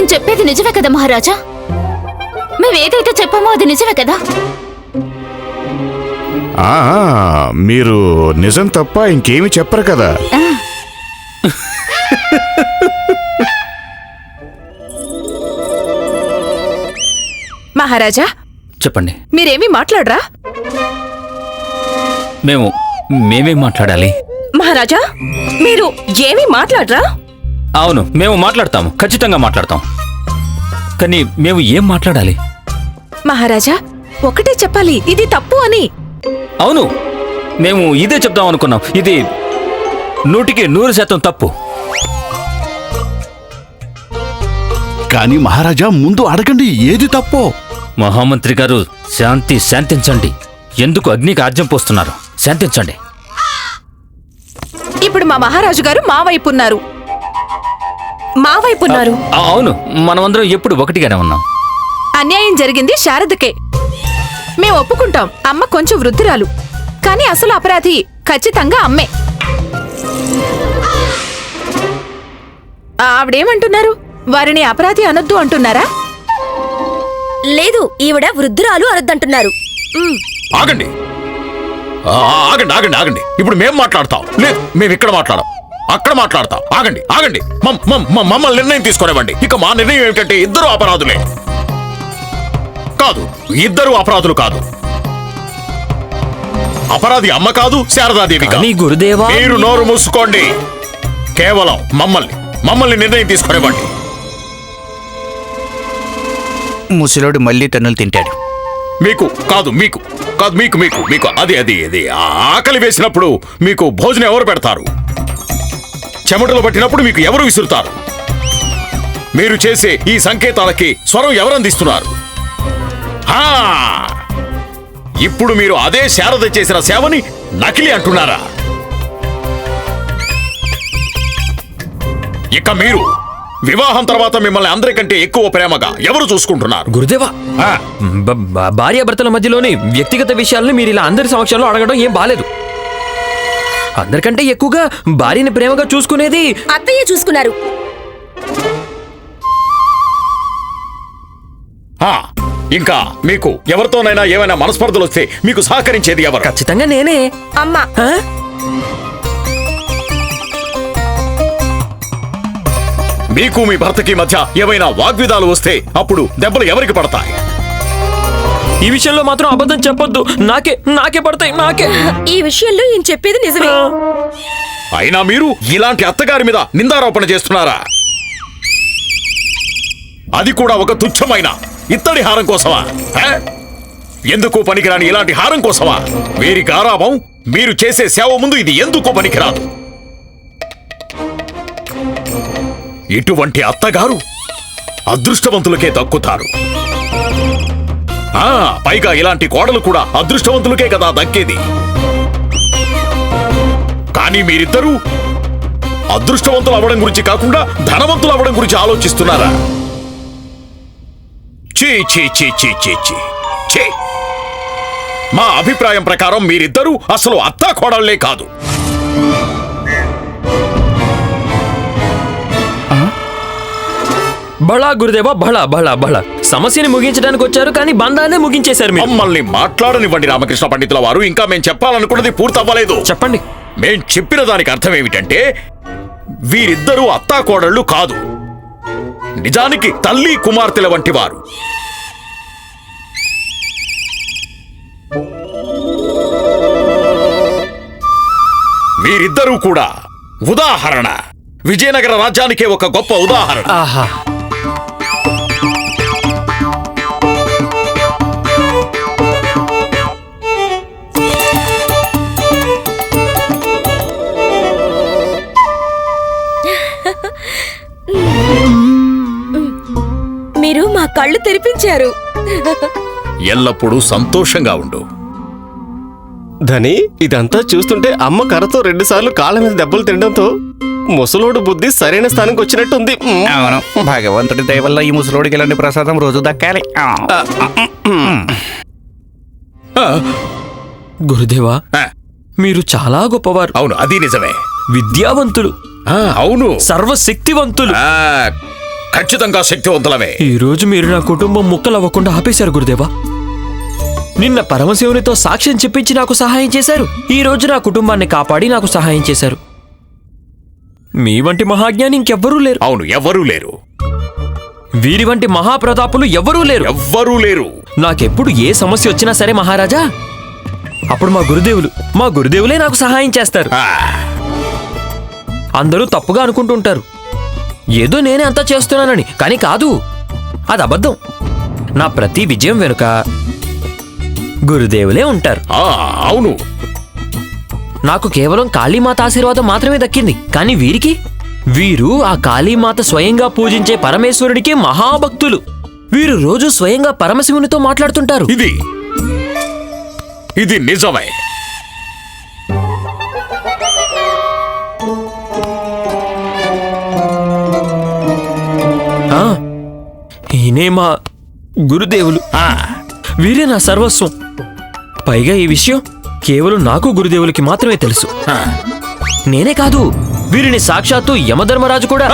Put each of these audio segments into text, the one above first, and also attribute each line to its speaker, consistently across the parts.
Speaker 1: మేము చెప్పేది నిజమే కదా మహారాజా? మేమేదైతే చెప్పామో అది నిజమే కదా?
Speaker 2: మీరు నిజం తప్ప ఇంకేమీ చెప్పరు కదా.
Speaker 3: మహారాజా
Speaker 4: చెప్పండి.
Speaker 3: మీరేమీ మాట్లాడరా?
Speaker 4: మేమేం మాట్లాడాలి?
Speaker 3: మహారాజా మీరు ఏమీ మాట్లాడరా?
Speaker 4: అవును, మేము మాట్లాడతాము, ఖచ్చితంగా మాట్లాడతాం. కానీ మేము ఏం మాట్లాడాలి?
Speaker 3: మహారాజా ఒకటే చెప్పాలి, ఇది తప్పు అని.
Speaker 4: అవును, మేము ఇదే చెప్దాం అనుకున్నాం. ఇది 100% తప్పు.
Speaker 5: కానీ మహారాజా ముందు అడగండి ఏది తప్పో.
Speaker 4: మహామంత్రి గారు, శాంతించండి. ఎందుకు అగ్నికి ఆజ్యం పోస్తున్నారు? శాంతించండి.
Speaker 3: ఇప్పుడు మా మహారాజు గారు మా వైపు ఉన్నారు.
Speaker 4: అవును, మనమందరం ఎప్పుడు ఒకటిగానే ఉన్నాం.
Speaker 3: అన్యాయం జరిగింది శారదకే. మేం ఒప్పుకుంటాం, అమ్మ కొంచెం వృద్ధురాలు, కానీ అసలు అపరాధి ఖచ్చితంగా అమ్మే. ఆవిడేమంటున్నారు? వారిని అపరాధి అనొద్దు అంటున్నారా?
Speaker 6: లేదు, ఈవిడ వృద్ధురాలు అనొద్దంటున్నారు.
Speaker 7: ఆగండి ఆగండి ఆగండి ఆగండి. ఇప్పుడు మేం మాట్లాడతాం. లేదు, మేము ఇక్కడ మాట్లాడాం, అక్కడ మాట్లాడతాం. ఆగండి ఆగండి, మమ్మల్ని నిర్ణయం తీసుకునేవ్వండి. ఇక మా నిర్ణయం ఏమిటంటే ఇద్దరు అపరాధులే. కాదు, ఇద్దరు అపరాధులు కాదు. అపరాధి అమ్మ కాదు, శారదాదేవి కాదు.
Speaker 4: గురుదేవా,
Speaker 7: మీరు నోరు మూసుకోండి. కేవలం మమ్మల్ని నిర్ణయం తీసుకునేవ్వండి.
Speaker 8: ముసలోడు మళ్ళీ తన్నులు తింటాడు.
Speaker 7: మీకు కాదు, మీకు కాదు, మీకు మీకు మీకు అది అది అది ఆకలి వేసినప్పుడు మీకు భోజనం ఎవరు పెడతారు? చెమటలు పట్టినప్పుడు మీకు ఎవరు విసురుతారు? మీరు చేసే ఈ సంకేతాలకి స్వరం ఎవరు అందిస్తున్నారు? ఇప్పుడు మీరు అదే శారద చేసిన సేవని నకిలీ అంటున్నారా? ఇక మీరు వివాహం తర్వాత మిమ్మల్ని అందరికంటే ఎక్కువ ప్రేమగా ఎవరు చూసుకుంటున్నారు?
Speaker 9: గురుదేవా, భార్యాభర్తల మధ్యలోని వ్యక్తిగత విషయాలను మీరు ఇలా అందరి సమక్షంలో అడగడం ఏం బాలేదు. అందరికంటే ఎక్కువగా భార్యని ప్రేమగా చూసుకునేది
Speaker 6: అత్తయ్య చూసుకున్నారు.
Speaker 7: ఇంకా మీకు ఎవరితోనైనా ఏమైనా మనస్పర్ధలు వస్తే మీకు సహకరించేది ఎవరు?
Speaker 9: ఖచ్చితంగా నేనే.
Speaker 6: అమ్మా,
Speaker 7: మీకు మీ భర్తకి మధ్య ఏమైనా వాగ్విదాలు వస్తే అప్పుడు దెబ్బలు ఎవరికి పడతాయి?
Speaker 9: ఈ విషయంలో మాత్రం అబద్ధం చెప్పొద్దు. నాకే పడతాయి, నాకే.
Speaker 6: ఈ విషయంలో ఈయన చెప్పేది నిజమే.
Speaker 7: అయినా మీరు ఇలాంటి అత్తగారి మీద నిందారోపణ చేస్తున్నారా? అది కూడా ఒక తుచ్చమైన ఇత్తడి హారం కోసమా? ఎందుకు పనికిరాని ఇలాంటి హారం కోసమా? వీరి గారాబం, మీరు చేసే సేవ ముందు ఇది ఎందుకు పనికిరాదు? ఇటువంటి అత్తగారు అదృష్టవంతులకే దక్కుతారు. పైగా ఇలాంటి కోడలు కూడా అదృష్టవంతులకే కదా దక్కేది. కానీ మీరిద్దరూ అదృష్టవంతులు అవ్వడం గురించి కాకుండా ధనవంతులు అవ్వడం గురించి ఆలోచిస్తున్నారా? చీ చీ చీ చీ చీ చీ చీ. మా అభిప్రాయం ప్రకారం మీరిద్దరూ అసలు అత్తా కోడళ్లే కాదు.
Speaker 9: బళా గురుదేవా, బళా బళా బళా. సమస్యని ముగించడానికి వచ్చారు, కానీ బంధాన్నే ముగించేశారు.
Speaker 7: మమ్మల్ని మాట్లాడనివ్వండి రామకృష్ణ పండితుల వారు. ఇంకా మేం చెప్పాలనుకున్నది పూర్తవ్వలేదు.
Speaker 9: చెప్పండి.
Speaker 7: మేం చెప్పిన దానికి అర్థం ఏమిటంటే వీరిద్దరూ అత్తాకోడళ్లు కాదు, నిజానికి తల్లి కుమార్తెల వంటి వారు. వీరిద్దరూ కూడా ఉదాహరణ. విజయనగర రాజ్యానికే ఒక గొప్ప ఉదాహరణ.
Speaker 9: ఆహా.
Speaker 6: మీరు మా కళ్ళు తెరిపించారు.
Speaker 7: ఎల్లప్పుడూ సంతోషంగా ఉండు.
Speaker 10: ధని, ఇదంతా చూస్తుంటే అమ్మ కర్రతో 2 సార్లు కాళ్ళ మీద దెబ్బలు తినడంతో ముసలోడు బుద్ధి సరైన స్థానానికి వచ్చినట్టుంది.
Speaker 8: అవును, భగవంతుడి దయ వల్ల ఈ ముసలోడికి ఇలాంటి ప్రసాదం రోజు దక్కాలి.
Speaker 9: గురుదేవా, మీరు చాలా గొప్పవారు.
Speaker 7: అవును, అది నిజమే.
Speaker 9: విద్యావంతులు.
Speaker 7: అవును,
Speaker 9: సర్వశక్తివంతులు.
Speaker 7: ఖచ్చితంగా శక్తివంతులమే.
Speaker 9: ఈ రోజు మీరు నా కుటుంబం ముక్కలవ్వకుండా ఆపేశారు గురుదేవా. నిన్న పరమశివునితో సాక్ష్యం చెప్పించి నాకు సహాయం చేశారు. ఈ రోజు నా కుటుంబాన్ని కాపాడి నాకు సహాయం చేశారు. మీ వంటి మహాజ్ఞాని ఇంకెవ్వరూ లేరు.
Speaker 7: అవును, ఎవ్వరూ లేరు.
Speaker 9: వీరి వంటి మహాప్రతాపులు ఎవ్వరూ లేరు.
Speaker 7: ఎవ్వరూ లేరు.
Speaker 9: నాకెప్పుడు ఏ సమస్య వచ్చినా సరే మహారాజా, అప్పుడు మా గురుదేవులే నాకు సహాయం చేస్తారు. అందరూ తప్పుగా అనుకుంటుంటారు, ఏదో నేనే అంతా చేస్తున్నానని. కానీ కాదు, అది అబద్ధం. నా ప్రతి విజయం వెనుక గురుదేవులే ఉంటారు.
Speaker 7: అవును,
Speaker 9: నాకు కేవలం కాళీమాత ఆశీర్వాదం మాత్రమే దక్కింది. కానీ వీరు ఆ కాళీమాత స్వయంగా పూజించే పరమేశ్వరుడికి మహాభక్తులు. వీరు రోజు స్వయంగా పరమశివునితో మాట్లాడుతుంటారు.
Speaker 7: ఇది నిజమే.
Speaker 9: ఈయనే మా గురుదేవులు. వీరే నా సర్వస్వం. పైగా ఈ విషయం కేవలం నాకు గురుదేవులకి మాత్రమే తెలుసు. నేనే కాదు, వీరిని సాక్షాత్తు యమధర్మరాజు కూడా,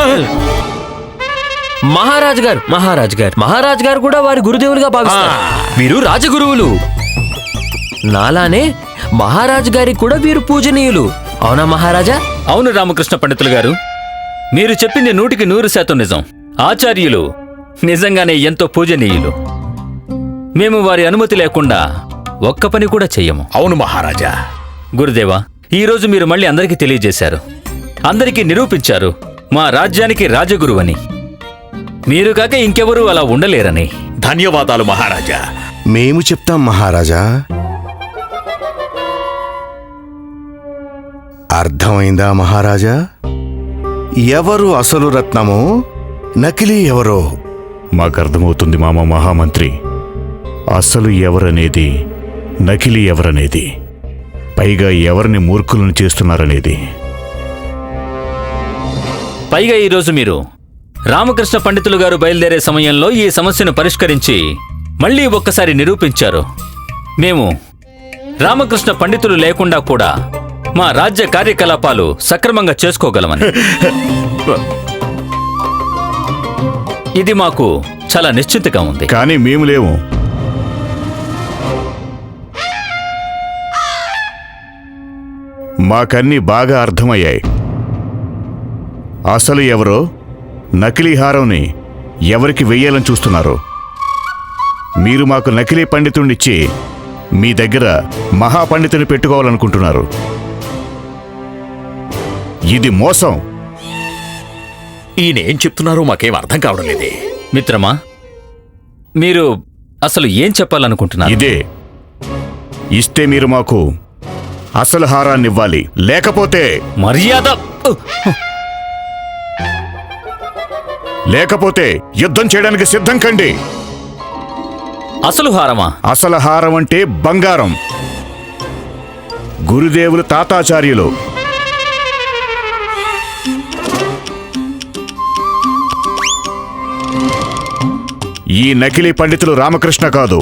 Speaker 9: మహారాజు గారు కూడా వారి గురుదేవులుగా భావిస్తారు. వీరు రాజగురువులు. నాలానే మహారాజు గారికి కూడా వీరు పూజనీయులు. అవునా మహారాజా?
Speaker 4: అవును రామకృష్ణ పండితులు గారు, మీరు చెప్పింది 100% నిజం. ఆచార్యులు నిజంగానే ఎంతో పూజనీయులు. మేము వారి అనుమతి లేకుండా ఒక్క పని కూడా చెయ్యము.
Speaker 7: అవును మహారాజా.
Speaker 4: గురుదేవా, ఈరోజు మీరు మళ్ళీ అందరికీ తెలియజేశారు, అందరికీ నిరూపించారు మా రాజ్యానికి రాజగురువని. మీరు కాక ఇంకెవరూ అలా ఉండలేరని.
Speaker 7: ధన్యవాదాలు మహారాజా.
Speaker 11: మేము చెప్తాం మహారాజా. అర్థమైందా మహారాజా? ఎవరు అసలు రత్నమో, నకిలీ ఎవరో
Speaker 2: మాకర్థమవుతుంది మామ మహామంత్రి. అసలు ఎవరనేది, నకిలీ ఎవరనేది, పైగా ఎవరిని మూర్ఖులను చేస్తున్నారనేది.
Speaker 4: పైగా ఈరోజు మీరు రామకృష్ణ పండితులు గారు బయలుదేరే సమయంలో ఈ సమస్యను పరిష్కరించి మళ్ళీ ఒక్కసారి నిరూపించారు, మేము రామకృష్ణ పండితులు లేకుండా కూడా మా రాజ్య కార్యకలాపాలు సక్రమంగా చేసుకోగలమని. ఇది మాకు చాలా నిశ్చింతగా ఉంది.
Speaker 2: కానీ మేము లేము. మాకన్నీ బాగా అర్థమయ్యాయి. అసలు ఎవరో, నకిలీ హారంని ఎవరికి వెయ్యాలని చూస్తున్నారు. మీరు మాకు నకిలీ పండితుడినిచ్చి మీ దగ్గర మహాపండితుని పెట్టుకోవాలనుకుంటున్నారు. ఇది మోసం.
Speaker 7: ఈయన ఏం చెప్తున్నారో మాకేం అర్థం కావడం లేదే.
Speaker 4: మిత్రమా, మీరు అసలు ఏం చెప్పాలనుకుంటున్నారు?
Speaker 2: ఇదే, ఇస్తే మీరు మాకు అసలు హారాన్ని ఇవ్వాలి, లేకపోతే లేకపోతే యుద్ధం చేయడానికి సిద్ధం కండి.
Speaker 4: అసలు హారమా?
Speaker 2: అసలు హారం అంటే బంగారం. గురుదేవులు తాతాచార్యులు ఈ నకిలీ పండితులు రామకృష్ణ కాదు.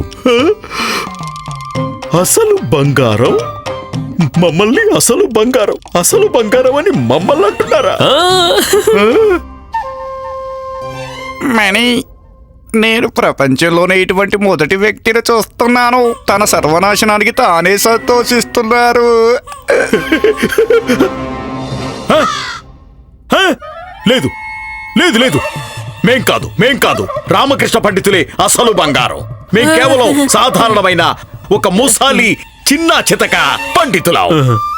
Speaker 7: అసలు బంగారం? మమ్మల్ని అసలు బంగారం అని మమ్మల్ని అంటున్నారా?
Speaker 8: మణి, నేను ప్రపంచంలోనే ఇటువంటి మొదటి వ్యక్తిని చూస్తున్నాను. తన సర్వనాశనానికి తానే సంతోషిస్తున్నారు.
Speaker 7: లేదు లేదు లేదు, మేం కాదు. రామకృష్ణ పండితులే అసలు బంగారం. మేం కేవలం సాధారణమైన ఒక ముసాలి చిన్న చితక పండితులం.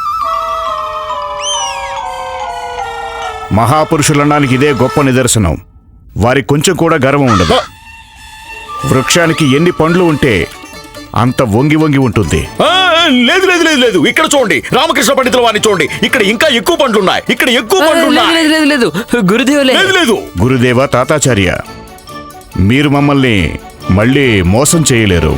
Speaker 2: మహాపురుషులనడానికి ఇదే గొప్ప నిదర్శనం. వారి కొంచెం కూడా గర్వం ఉండదు. వృక్షానికి ఎన్ని పండ్లు ఉంటే అంత వంగి ఉంటుంది.
Speaker 7: లేదు లేదు లేదు లేదు, ఇక్కడ చూడండి, రామకృష్ణ పండితుల వారిని చూడండి. ఇక్కడ ఇంకా ఎక్కువ పండ్లున్నాయి.
Speaker 9: లేదు, గురుదేవులే.
Speaker 7: లేదు,
Speaker 2: గురుదేవ తాతాచార్య, మీరు మమ్మల్ని మళ్ళీ మోసం చేయలేరు.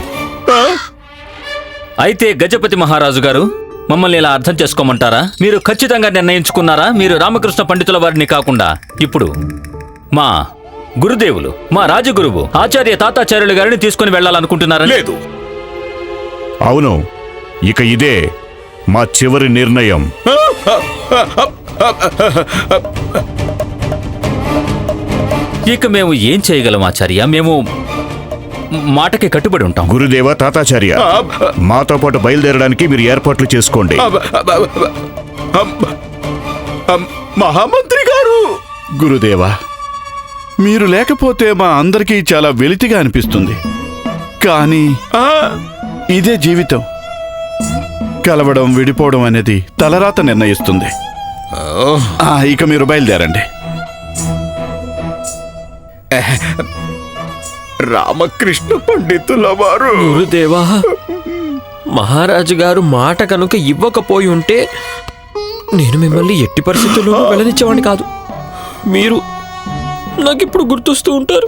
Speaker 4: అయితే గజపతి మహారాజు గారు, మమ్మల్ని ఇలా అర్థం చేసుకోమంటారా? మీరు ఖచ్చితంగా నిర్ణయించుకున్నారా? మీరు రామకృష్ణ పండితుల వారిని కాకుండా ఇప్పుడు మా గురుదేవులు, మా రాజగురువు ఆచార్య తాతాచార్యులు గారిని తీసుకుని వెళ్ళాలనుకుంటున్నారా?
Speaker 7: లేదు.
Speaker 2: అవును, ఇక ఇదే మా చివరి నిర్ణయం.
Speaker 4: ఇక మేము ఏం చేయగలం ఆచార్య? మేము మాటకి కట్టుబడి ఉంటాం.
Speaker 2: గురుదేవ తాతాచార్య, మాతో పాటు బయలుదేరడానికి మీరు ఏర్పాట్లు చేసుకోండి.
Speaker 7: మహామంత్రి గారు,
Speaker 5: గురుదేవా, మీరు లేకపోతే మా అందరికీ చాలా వెలితిగా అనిపిస్తుంది. కానీ ఇదే జీవితం. కలవడం, విడిపోవడం అనేది తలరాత నిర్ణయిస్తుంది. ఇక మీరు బయలుదేరండి.
Speaker 7: రామకృష్ణ పండితుల వారు,
Speaker 9: గురుదేవా, మహారాజు గారు మాట కనుక ఇవ్వకపోయి ఉంటే నేను మిమ్మల్ని ఎట్టి పరిస్థితుల్లోనూ వెళ్ళనిచ్చేవాడిని కాదు. మీరు నాకిప్పుడు గుర్తొస్తూ ఉంటారు.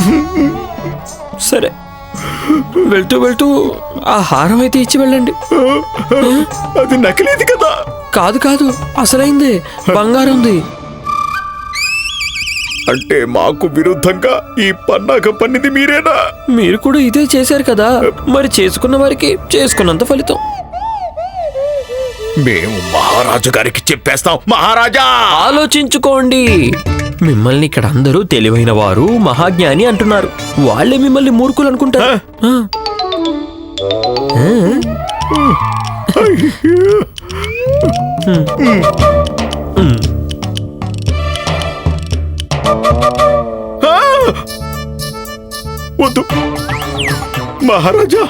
Speaker 9: సరే, వెళ్తూ వెళ్తూ ఆ హారం అయితే ఇచ్చి వెళ్ళండి.
Speaker 7: అది నకిలీది కదా?
Speaker 9: కాదు కాదు, అసలైందే, బంగారంది.
Speaker 7: అంటే మాకు విరుద్ధంగా ఈ పన్నాగం పన్నిది మీరేనా?
Speaker 9: మీరు కూడా ఇదే చేశారు కదా, మరి చేసుకున్న వారికి చేసుకున్నంత ఫలితం.
Speaker 7: మేము మహారాజు గారికి చెప్పేస్తాం. మహారాజా,
Speaker 9: ఆలోచించుకోండి. మిమ్మల్ని ఇక్కడ అందరూ తెలివైన వారు, మహాజ్ఞాని అంటున్నారు. వాళ్ళే మిమ్మల్ని మూర్ఖులు అనుకుంటారు.
Speaker 7: వద్దు మహారాజా.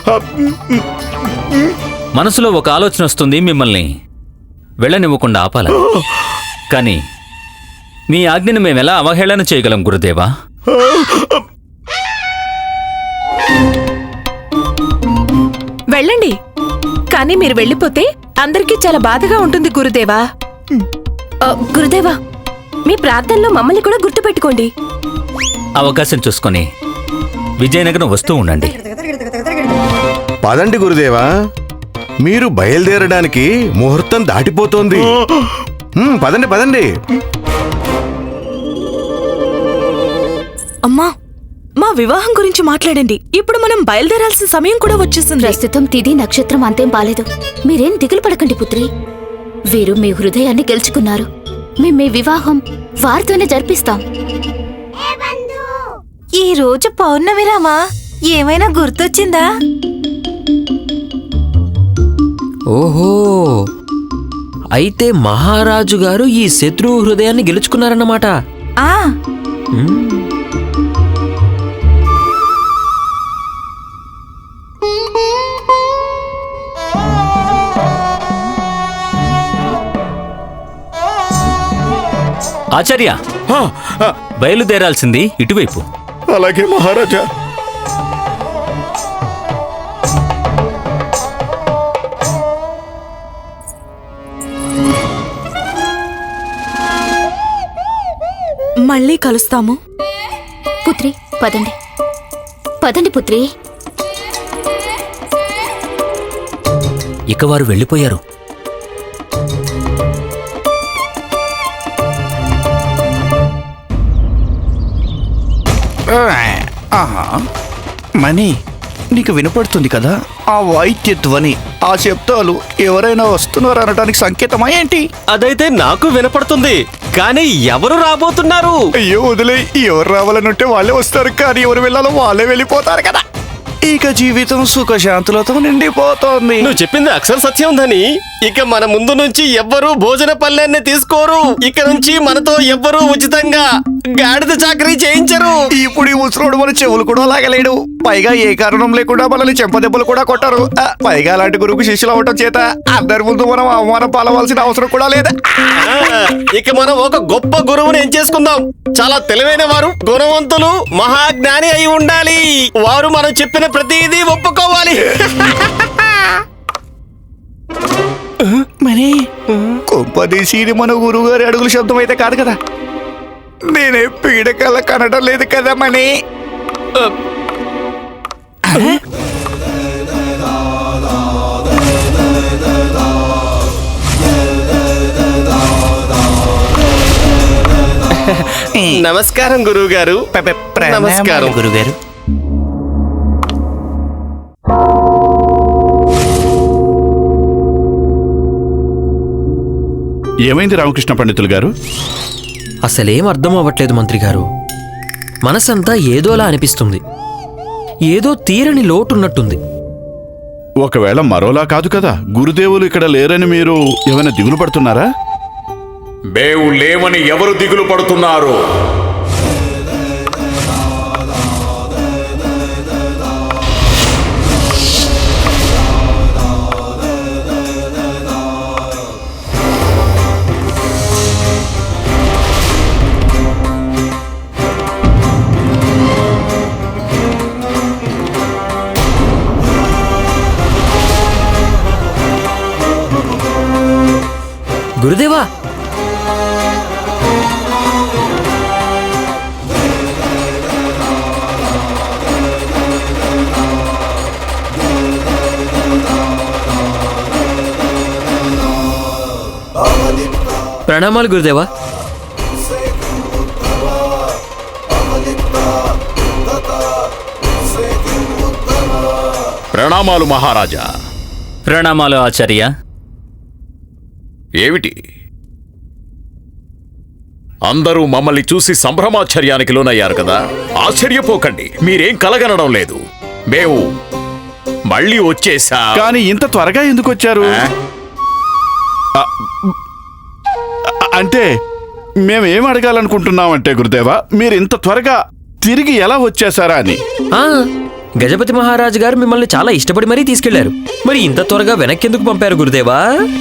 Speaker 4: మనసులో ఒక ఆలోచన వస్తుంది, మిమ్మల్ని వెళ్ళనివ్వకుండా ఆపాల. కానీ మీ ఆజ్ఞను మేమెలా అవహేళన చేయగలం గురుదేవా?
Speaker 3: వెళ్ళండి. కానీ మీరు వెళ్ళిపోతే అందరికీ చాలా బాధగా ఉంటుంది గురుదేవా.
Speaker 6: గురుదేవా, మీ ప్రార్థనలో మమ్మల్ని కూడా గుర్తుపెట్టుకోండి.
Speaker 4: అవకాశం చూసుకొని విజయనగరం వస్తూ ఉండండి.
Speaker 11: పదండి గురుదేవా, మీరు బయలుదేరడానికి ముహూర్తం దాటిపోతోంది. పదండి పదండి.
Speaker 6: అమ్మా, మా వివాహం గురించి మాట్లాడండి. ఇప్పుడు మనం బయలుదేరాల్సిన సమయం కూడా వచ్చేసింది.
Speaker 1: ప్రస్తుతం తిథి నక్షత్రం అంతేం బాలేదు. మీరేం దిగులు పడకండి పుత్రి. వీరు మీ హృదయాన్ని గెలుచుకున్నారు. మేము మీ వివాహం వారితోనే జరిపిస్తాం.
Speaker 6: ఈ రోజు పౌర్ణమిరామా, ఏమైనా గుర్తొచ్చిందా?
Speaker 9: ఓహో, అయితే మహారాజు గారు ఈ శత్రువు హృదయాన్ని గెలుచుకున్నారన్నమాట.
Speaker 4: ఆచార్య, బయలుదేరాల్సింది ఇటువైపు.
Speaker 7: అలాగే మహారాజా.
Speaker 6: మళ్ళీ కలుస్తాము.
Speaker 1: పుత్రి పదండి, పదండి పుత్రి.
Speaker 4: ఇక వారు వెళ్ళిపోయారు.
Speaker 8: మణి, నీకు వినపడుతుంది కదా ఆ వాయిద్య ధ్వని, ఆ శబ్దాలు ఎవరైనా వస్తున్నారు అనడానికి సంకేతమా ఏంటి?
Speaker 10: అదైతే నాకు వినపడుతుంది, కానీ ఎవరు రాబోతున్నారు?
Speaker 11: అయ్యో వదిలే, ఎవరు రావాలనుంటే వాళ్ళే వస్తారు, కానీ ఎవరు వెళ్ళాలో వాళ్ళే వెళ్ళిపోతారు కదా.
Speaker 8: ఇక జీవితం సుఖశాంతులతో నిండిపోతోంది.
Speaker 10: నువ్వు చెప్పింది అక్షర సత్యం ఉందని. ఇక మన ముందు నుంచి ఎవ్వరూ భోజన పల్లెన్ని తీసుకోరు. ఇక నుంచి మనతో ఎవ్వరూ ఉచితంగా గాడిద చాకరీ చేయించరు.
Speaker 11: ఇప్పుడు ఈ ముసలోడు మన చెవులు కూడా లాగలేడు. పైగా ఏ కారణం లేకుండా మనల్ని చెంపదెబ్బలు కూడా కొట్టారు. పైగా అలాంటి గురువుకు శిష్యులు అవటం చేత అందరి ముందు మనం అవమానం పాలవలసిన అవసరం కూడా లేదు.
Speaker 10: ఇక మనం ఒక గొప్ప గురువుని ఎంచేసుకుందాం. చాలా తెలివైన వారు, గుణవంతులు, మహాజ్ఞాని అయి ఉండాలి. వారు మనం చెప్పిన ప్రతిదీ ఒప్పుకోవాలి.
Speaker 11: మనీ కొంపదీసి ఇది మన గురువు గారి అడుగుల శబ్దం అయితే కాదు కదా. నేనే పీడకల కనడం లేదు కదా మనీ.
Speaker 10: నమస్కారం గురువు గారు. నమస్కారం
Speaker 8: గురుగారు.
Speaker 5: ఏమైంది రామకృష్ణ పండితులు గారు?
Speaker 9: అసలేం అర్థం అవ్వట్లేదు మంత్రి గారు. మనసంతా ఏదోలా అనిపిస్తుంది. ఏదో తీరని లోటున్నట్టుంది.
Speaker 5: ఒకవేళ మరోలా కాదు కదా, గురుదేవులు ఇక్కడ లేరని మీరు ఏమైనా దిగులు పడుతున్నారా?
Speaker 7: మేము లేవని ఎవరు దిగులు పడుతున్నారు?
Speaker 9: గురుదేవా, ప్రణామాలు గురుదేవా.
Speaker 7: ప్రణామాలు మహారాజా.
Speaker 4: ప్రణామాలు ఆచార్య.
Speaker 7: ఏమిటి అందరూ మమ్మల్ని చూసి సంభ్రమాశ్చర్యానికి లోనయ్యారు కదా? ఆశ్చర్యపోకండి, మీరేం కలగనడం లేదు. మేము మళ్ళీ వచ్చేసా.
Speaker 5: కానీ ఇంత త్వరగా ఎందుకు వచ్చారు? అంటే మేమేం అడగాలనుకుంటున్నామంటే గురుదేవా, మీరు ఇంత త్వరగా తిరిగి ఎలా వచ్చేసారా అని.
Speaker 9: గజపతి మహారాజు గారు మిమ్మల్ని చాలా ఇష్టపడి మరీ తీసుకెళ్లారు. మరి ఇంత త్వరగా వెనక్కి ఎందుకు పంపారు గురుదేవా?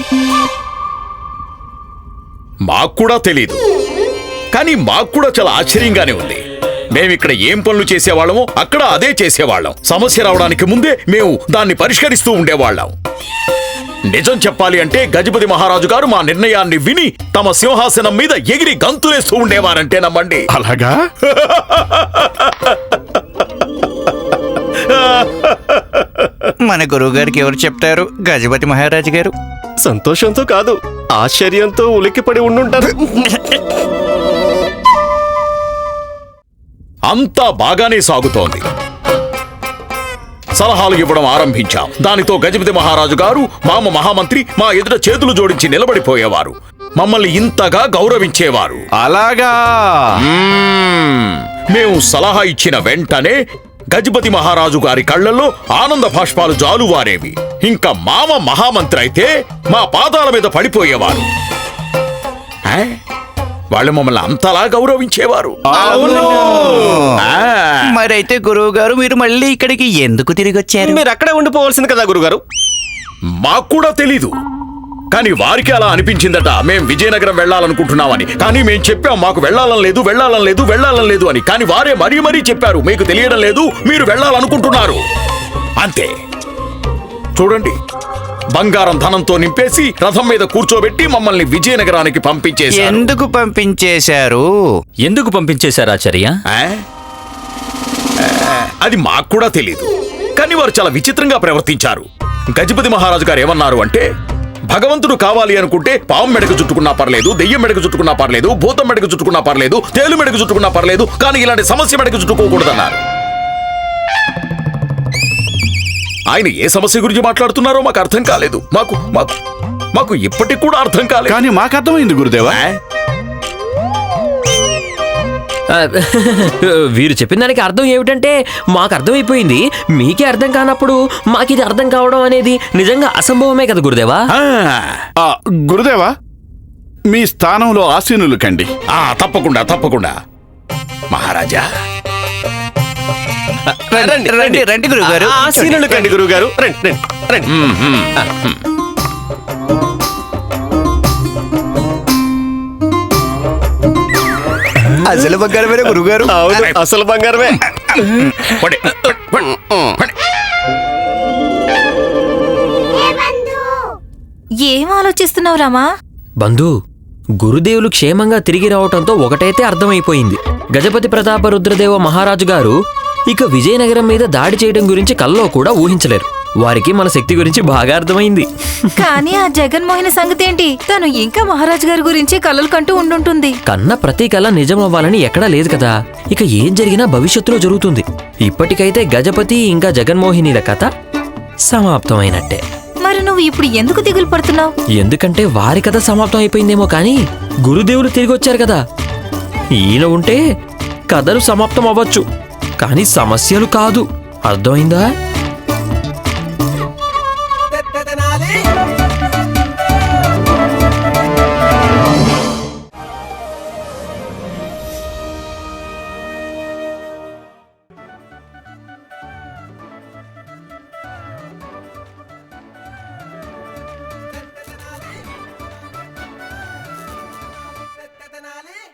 Speaker 7: మాకు కూడా తెలీదు, కానీ మాకు కూడా చాలా ఆశ్చర్యంగానే ఉంది. మేమిక్కడ ఏం పనులు చేసేవాళ్ళమో అక్కడ అదే చేసేవాళ్ళం. సమస్య రావడానికి ముందే మేము దాన్ని పరిష్కరిస్తూ ఉండేవాళ్ళం. నిజం చెప్పాలి అంటే గజపతి మహారాజు గారు మా నిర్ణయాన్ని విని తమ సింహాసనం మీద ఎగిరి గంతులేస్తూ ఉండేవారంటే నమ్మండి.
Speaker 5: అలాగా?
Speaker 8: మన గురువు గారికి ఎవరు చెప్తారు? గజపతి మహారాజు గారు.
Speaker 10: సంతోషంతో కాదు, ఆశ్చర్యంతో ఉలిక్కిపడి ఉండుంటారు.
Speaker 7: అంతా బాగానే సాగుతోంది. సలహాలు ఇవ్వడం ఆరంభించాం. దానితో గజపతి మహారాజు గారు మామ మహామంత్రి మా ఎదుట చేతులు జోడించి నిలబడిపోయేవారు. మమ్మల్ని ఇంతగా గౌరవించేవారు.
Speaker 5: అలాగా?
Speaker 7: మేము సలహా ఇచ్చిన వెంటనే గజపతి మహారాజు గారి కళ్ళల్లో ఆనంద భాష్పాలు జాలువారేవి. ఇంకా మామ మహామంత్రి అయితే మా పాదాల మీద పడిపోయేవారు. వాళ్ళు మమ్మల్ని అంతలా గౌరవించేవారు.
Speaker 8: మరైతే గురువు గారు మీరు మళ్ళీ ఇక్కడికి ఎందుకు తిరిగి వచ్చారు?
Speaker 10: మీరు అక్కడే ఉండిపోవాల్సింది కదా గురుగారు.
Speaker 7: మాకు కూడా తెలీదు, కానీ వారికి అలా అనిపించిందట మేం విజయనగరం వెళ్లాలనుకుంటున్నామని. కానీ మేం చెప్పాం మాకు వెళ్లాలని లేదు, వెళ్లాలని లేదు, వెళ్లాలని లేదు అని. కానీ వారే మరీ మరీ చెప్పారు మీకు తెలియడం లేదు, మీరు వెళ్లాలనుకుంటున్నారు అంతే. చూడండి, బంగారం ధనంతో నింపేసి రథం మీద కూర్చోబెట్టి మమ్మల్ని విజయనగరానికి పంపించేశారు.
Speaker 8: ఎందుకు పంపించేశారు?
Speaker 4: ఎందుకు పంపించేశారు ఆచార్య?
Speaker 7: అది మాకు కూడా తెలీదు, కానీ వారు చాలా విచిత్రంగా ప్రవర్తించారు. గజపతి మహారాజు గారు ఏమన్నారు అంటే, భగవంతుడు కావాలి అనుకుంటే పాము మెడకు చుట్టుకున్నా పర్లేదు, దెయ్యం మెడకు చుట్టుకున్నా పర్లేదు, భూతం మెడకు చుట్టుకున్నా పర్లేదు, తేలు మెడకు చుట్టుకున్నా పర్లేదు, కానీ ఇలాంటి సమస్య మెడకు చుట్టుకోకూడదన్నారు. ఆయన ఏ సమస్య గురించి మాట్లాడుతున్నారో మాకు అర్థం కాలేదు. మాకు మాకు మాకు ఇప్పటికి కూడా అర్థం కాలేదు.
Speaker 5: కానీ మాకు అర్థమైంది గురుదేవా.
Speaker 9: వీరు చెప్పిన దానికి అర్థం ఏమిటంటే మాకు అర్థమైపోయింది. మీకే అర్థం కానప్పుడు మాకిది అర్థం కావడం అనేది నిజంగా అసంభవమే కదా గురుదేవా.
Speaker 5: గురుదేవా, మీ స్థానంలో ఆసీనులు కండి.
Speaker 7: తప్పకుండా తప్పకుండా మహారాజా.
Speaker 8: రండి రండి రండి గురుగారు.
Speaker 10: ఆసీనులు కండి గురుగారు. రండి రండి రండి.
Speaker 8: అసలు బంగారమే గురుగారు.
Speaker 10: అవును, అసలు బంగారమే.
Speaker 3: ఏం ఆలోచిస్తున్నావు రామా?
Speaker 9: బంధు, గురుదేవులు క్షేమంగా తిరిగి రావటంతో ఒకటైతే అర్థమైపోయింది. గజపతి ప్రతాప రుద్రదేవ మహారాజు గారు ఇక విజయనగరం మీద దాడి చేయడం గురించి కల్లో కూడా ఊహించలేరు. వారికి మన శక్తి గురించి బాగా అర్థమైంది.
Speaker 3: కానీ ఆ జగన్మోహిని సంగతి ఏంటి? తను ఇంకా మహారాజు గారి గురించి కలలు కంటూ ఉండుంటుంది.
Speaker 9: కన్న ప్రతి కళ నిజం అవ్వాలని ఎక్కడా లేదు కదా. ఇక ఏం జరిగినా భవిష్యత్తులో జరుగుతుంది. ఇప్పటికైతే గజపతి ఇంకా జగన్మోహినిల కథ సమాప్తమైనట్టే.
Speaker 3: మరి నువ్వు ఇప్పుడు ఎందుకు దిగులు పడుతున్నావు?
Speaker 9: ఎందుకంటే వారి కథ సమాప్తం అయిపోయిందేమో కానీ గురుదేవులు తిరిగి వచ్చారు కదా. ఈయన ఉంటే కథలు సమాప్తం అవ్వచ్చు కానీ సమస్యలు కాదు. అర్థమైందా?